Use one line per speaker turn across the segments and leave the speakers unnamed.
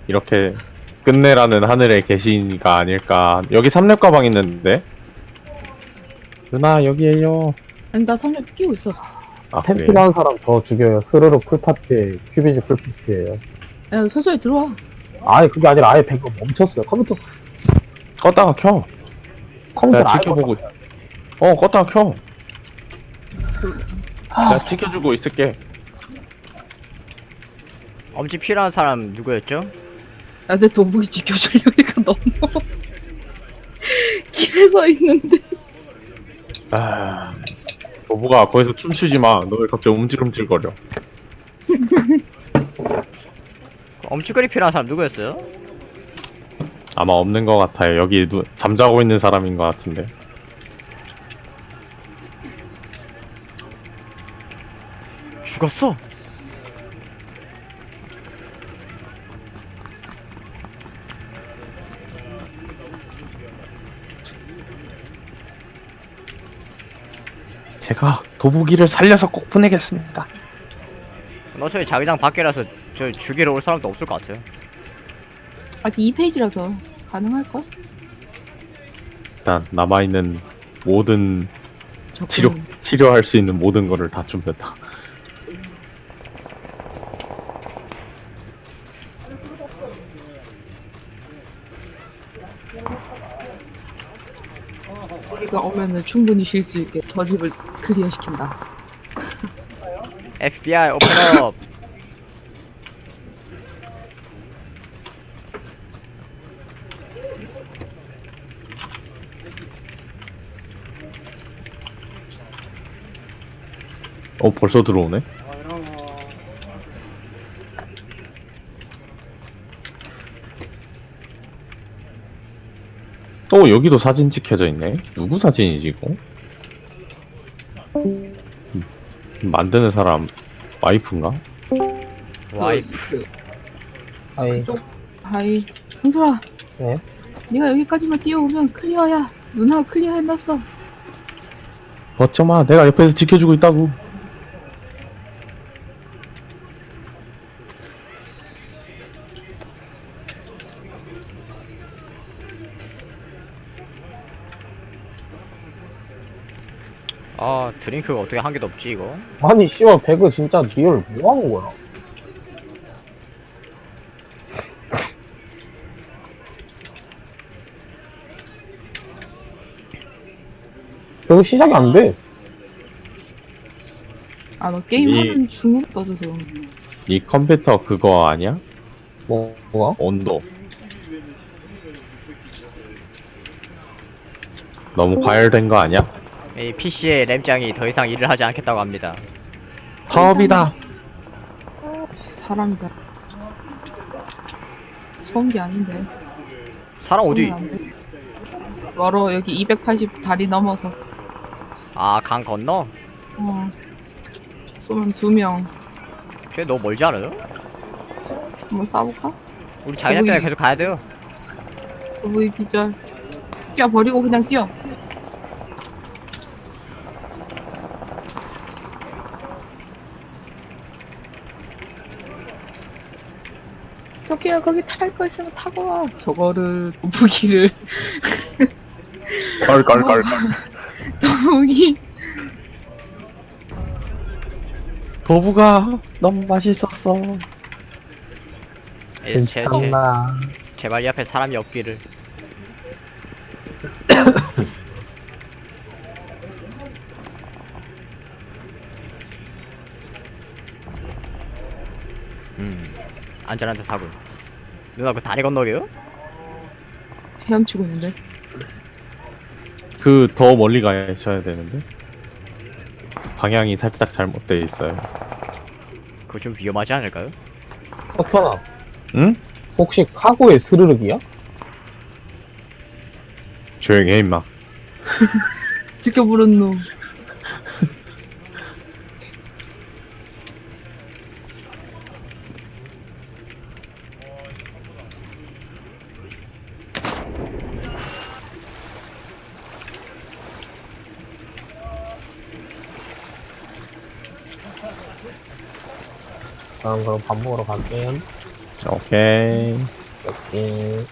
이렇게 끝내라는 하늘의 계시가 아닐까. 여기 삼렙 가방 있는데? 누나 여기에요.
아니 나 3렙 끼고 있어.
아
템
그래.
필요한 사람 저 죽여요. 스르르 풀파티에 큐비지 풀파티에요.
야 서서히 들어와.
아니 그게 아니라 아예 배가 멈췄어요.
껐다가 켜.
컴퓨터
내가
아예
지켜보고. 껐다가 켜. 내가 지켜주고 있을게.
엄지 필요한 사람 누구였죠?
야 내 도복이 지켜주려니까 너무 길에 서 있는데.
아, 도부가 거기서 춤추지 마. 너 왜 갑자기 움찔움찔거려?
엄지거리 필요한 사람 누구였어요?
아마 없는 것 같아요. 여기 잠자고 있는 사람인 것 같은데.
죽었어.
제가 도부기를 살려서 꼭 보내겠습니다.
어차피 자기장 밖이라서 저 죽이러 올 사람도 없을 것 같아요.
아직 2페이지라서 가능할걸?
일단 남아있는 모든
접근.
치료할 수 있는 모든 거를 다 준비했다.
우리가 오면은 충분히 쉴 수 있게 저 집을 클리어 시킨다.
FBI 오픈업.
벌써 들어오네? 여기도 사진 찍혀져 있네? 누구 사진이지, 이거? 만드는 사람, 와이프인가?
와이프.
아예
그쪽 하이 성설아.
네?
네가 여기까지만 뛰어오면 클리어야. 누나가 클리어 해놨어.
어쩌마, 내가 옆에서 지켜주고 있다고.
아 드링크가 어떻게 한 개도 없지 이거?
아니 씨발 배그 진짜 리얼 뭐 하는 거야? 배그 시작이 안 돼.
아 너 게임하는 중으로 떠져서.
이 컴퓨터 그거 아니야?
뭐가?
온도. 너무 과열된 거 아니야?
이 PC의 램장이 더 이상 일을 하지 않겠다고 합니다.
사업이다.
사람이다. 서운 게 아닌데.
사람 어디?
서운하면 안 돼. 멀어 여기 280 다리 넘어서.
아 강 건너?
쏘면 2명.
걔 너무 멀지 않아요?
한번 쏴볼까?
우리 자기장까지
거기-
계속 가야 돼요.
거북이 기절. 뛰어버리고 그냥 뛰어. 토끼야 거기 탈 거 있으면 타고 와. 저거를 무기를
껄껄껄껄.
무기.
도부가 너무 맛있었어.
괜찮나?
제발 이 앞에 사람이 없기를. 안전한 데 타고. 누나 그 다리 건너게요?
헤엄치고 있는데.
그 더 멀리 가셔야 되는데 방향이 살짝 잘못돼 있어요.
그거 좀 위험하지 않을까요?
석현아
응?
혹시 카고의 스르륵이야?
조용히 해 임마.
듣겨 부른 놈.
그럼 밥 먹으러 갈게요.
오케이.
오케이.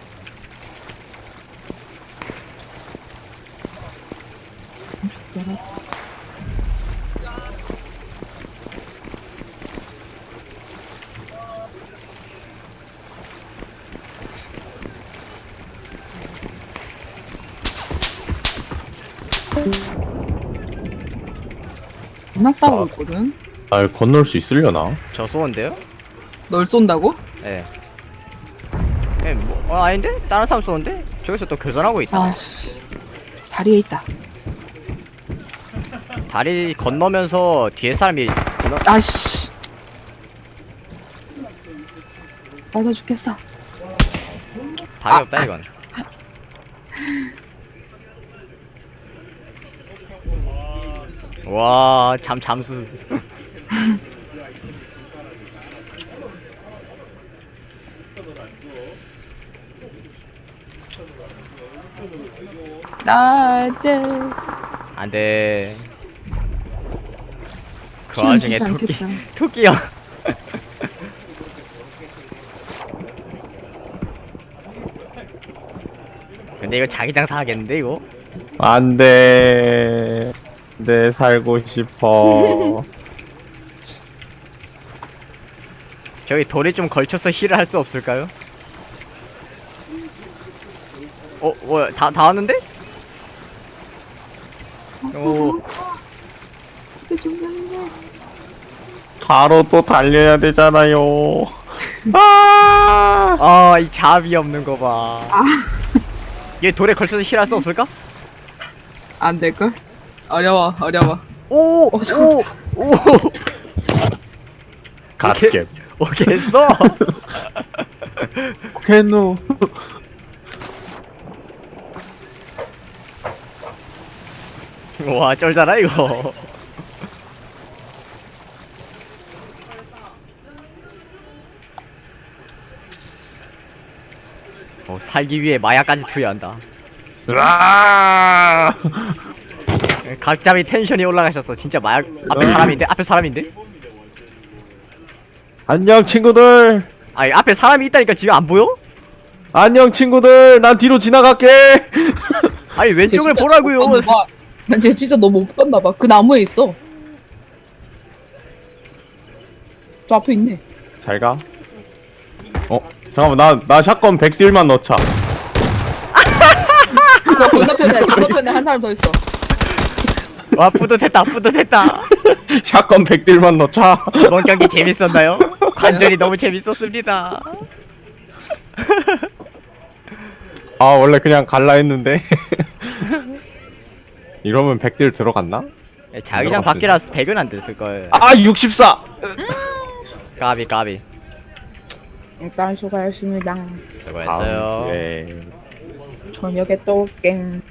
나 싸우고 있거든.
날 건널 수 있으려나?
저 쏘는데요?
널 쏜다고?
예. 예, 뭐, 아닌데? 다른 사람 쏘는데? 저기서 또 교전하고 있다.
아씨. 다리에 있다.
다리 건너면서 뒤에 사람이 건너,
아씨. 맞아 죽겠어.
답이 없다, 이건. 와, 잠수.
나한테.
안 돼. 그
시간
와중에
주지
토끼,
않겠다.
토끼야. 근데 이거 자기장 사겠는데, 이거?
안 돼. 내 살고 싶어.
저기 돌이 좀 걸쳐서 힐을 할 수 없을까요? 뭐야, 다 왔는데? 오.
이게 중요해.
바로 또 달려야 되잖아요. 아!
아, 이 잡이 없는 거 봐. 얘 돌에 걸쳐서 힐할 수 없을까?
안 될걸? 어려워.
오!
잠깐만.
오!
갓겜.
오케이 했어!
캔노.
와, 쩔잖아, 이거. 살기 위해 마약까지 투여한다.
으아!
각잡이 텐션이 올라가셨어. 진짜 마약, 앞에 사람인데? 앞에 사람인데?
안녕 친구들.
아니, 앞에 사람이 있다니까 지금 안 보여?
안녕 친구들. 난 뒤로 지나갈게.
아니, 왼쪽을 보라고요.
난쟤 진짜 너무 못 봤나봐. 그 나무에 있어. 저 앞에 있네.
잘 가. 잠깐만 나 샷건 100딜만 넣자.
저 건너편에 한 사람 더 있어.
와, 뿌듯했다.
샷건 100딜만 넣자.
이번 경기 재밌었나요? 관전이 너무 재밌었습니다.
아 원래 그냥 갈라 했는데. 이러면 100딜 들어갔나?
자기장 밖이라서 100은 안 됐을걸.
아 64.
까비.
일단 수고하셨습니다.
수고했어요.
네.
저녁에 또 깽.